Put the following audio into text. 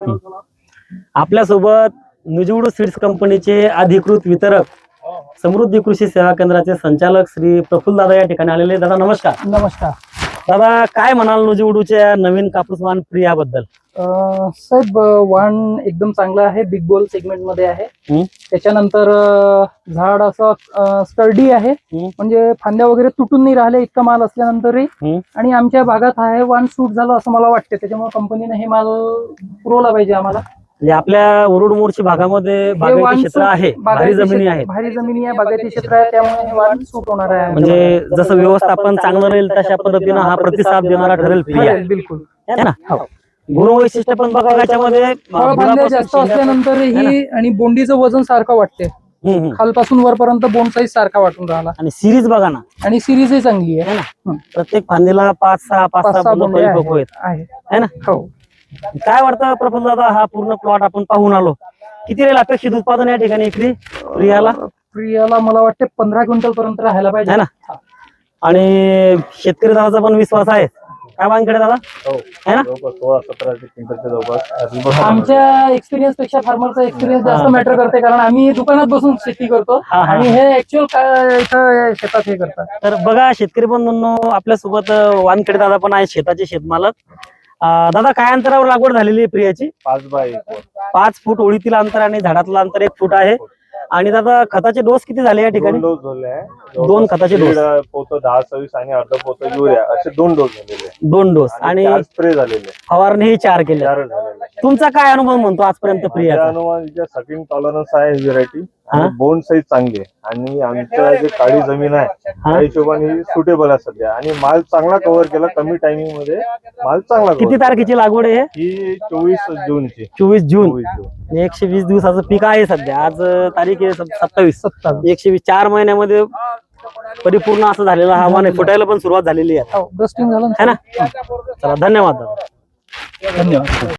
आपल्यासोबत नुजिवडू सीड्स कंपनीचे अधिकृत वितरक समृद्धी कृषी सेवा केंद्राचे संचालक श्री प्रफुल्ल दादा या ठिकाणी आलेले. दादा नमस्कार. नमस्कार दादा, काय म्हणाल नुजिवडूच्या नवीन कापूस वाण प्रियाबद्दल? साहेब, वाण एकदम चांगला आहे. बिग बोल सेगमेंट मध्ये आहे. त्याच्यानंतर झाड असं स्टर्डी आहे, म्हणजे फांद्या वगैरे तुटून नाही राहिले इतका माल असल्यानंतरही. आणि आमच्या भागात आहे वाण सूट झालं असं मला वाटते. त्याच्यामुळे कंपनीने हे माल पुरवला पाहिजे आम्हाला. म्हणजे आपल्या उरुड मोर्शी भागामध्ये बागायती क्षेत्र आहे, भारी जमिनी आहेत. भारी जमिनी आहे, बागायती क्षेत्र आहे, त्यामुळे हे वाण सूट होणार आहे. म्हणजे जसं व्यवस्थापन चांगलं राहील तशा पद्धतीनं हा प्रतिसाद देणारा ठरेल प्रिया, बिलकुल है ना? गुणवैशिष्ट्य पण बघा याच्यामध्ये फळफांद्या जास्त असल्यानंतर ही आणि बोंडीचं वजन सारखं वाटते. खालपासून वरपर्यंत बोंड साईज सारखा वाटून राहिला. आणि सिरीज बघा ना, आणि सिरीज ही चांगली आहे ना. प्रत्येक फांदीला 5-6 बोंड आहे ना? हो. काय वाटतं प्रफुल्ल दादा, हा पूर्ण प्लॉट आपण पाहून आलो, किती राहील अपेक्षित उत्पादन या ठिकाणी एकरी प्रियाला? मला वाटते 15 क्विंटल पर्यंत राहायला पाहिजे, है ना? आणि शेतकरी दादाचा पण विश्वास आहे. काय मागकडे दादा, है ना? 16-17 क्विंटलच्या जवळपास. आमच्या एक्सपिरियन्स पेक्षा फार्मरचा एक्सपिरियन्स जास्त मॅटर करते, कारण आम्ही दुकानात बसून शेती करतो आणि हे ऍक्च्युअल इथं शेतात हे करतात. तर बघा शेतकरी बंधूंनो, आपल्यासोबत वानखेडे दादा पण आहे, शेताचे शेतमालक. दादा, काय अंतरावर लागवड झालेली आहे प्रियाची? 5 बाय 1. 5 फूट ओळीतील अंतर आणि झाडातलं अंतर 1 फूट आहे. आणि दादा, खताचे डोस किती झाले या ठिकाणी? 2 डोस झाले आहे. 2 खताचे डोस, पोतं 10-26 आणि अर्ध पोतं युरिया, असे 2 डोस झालेले आहे. 2 डोस आणि स्प्रे झालेले, फवारणी 4 केले. तुमचा काय अनुभव म्हणतो आजपर्यंत प्रियाचा? अनुवांच्या सकिंग टॉलरन्स आहे व्हेरायटी, बोंड साईज चांगली आहे, आणि आमच्या जे काळी जमीन आहे त्या हिशोबाने सुटेबल आहे सध्या. आणि माल चांगला कव्हर केला, कमी टायमिंग मध्ये माल चांगला. किती तारखेची लागवड आहे ही 24 जूनची. 24 जून. 120 दिवसाचं पीक आहे सध्या. आज तारीख आहे 27. 120 4 महिन्यामध्ये परिपूर्ण असं झालेलं हवामान आहे. फुटायला पण सुरुवात झालेली आहे, डस्टिंग झालं, है ना? चला, धन्यवाद दादा. धन्यवाद.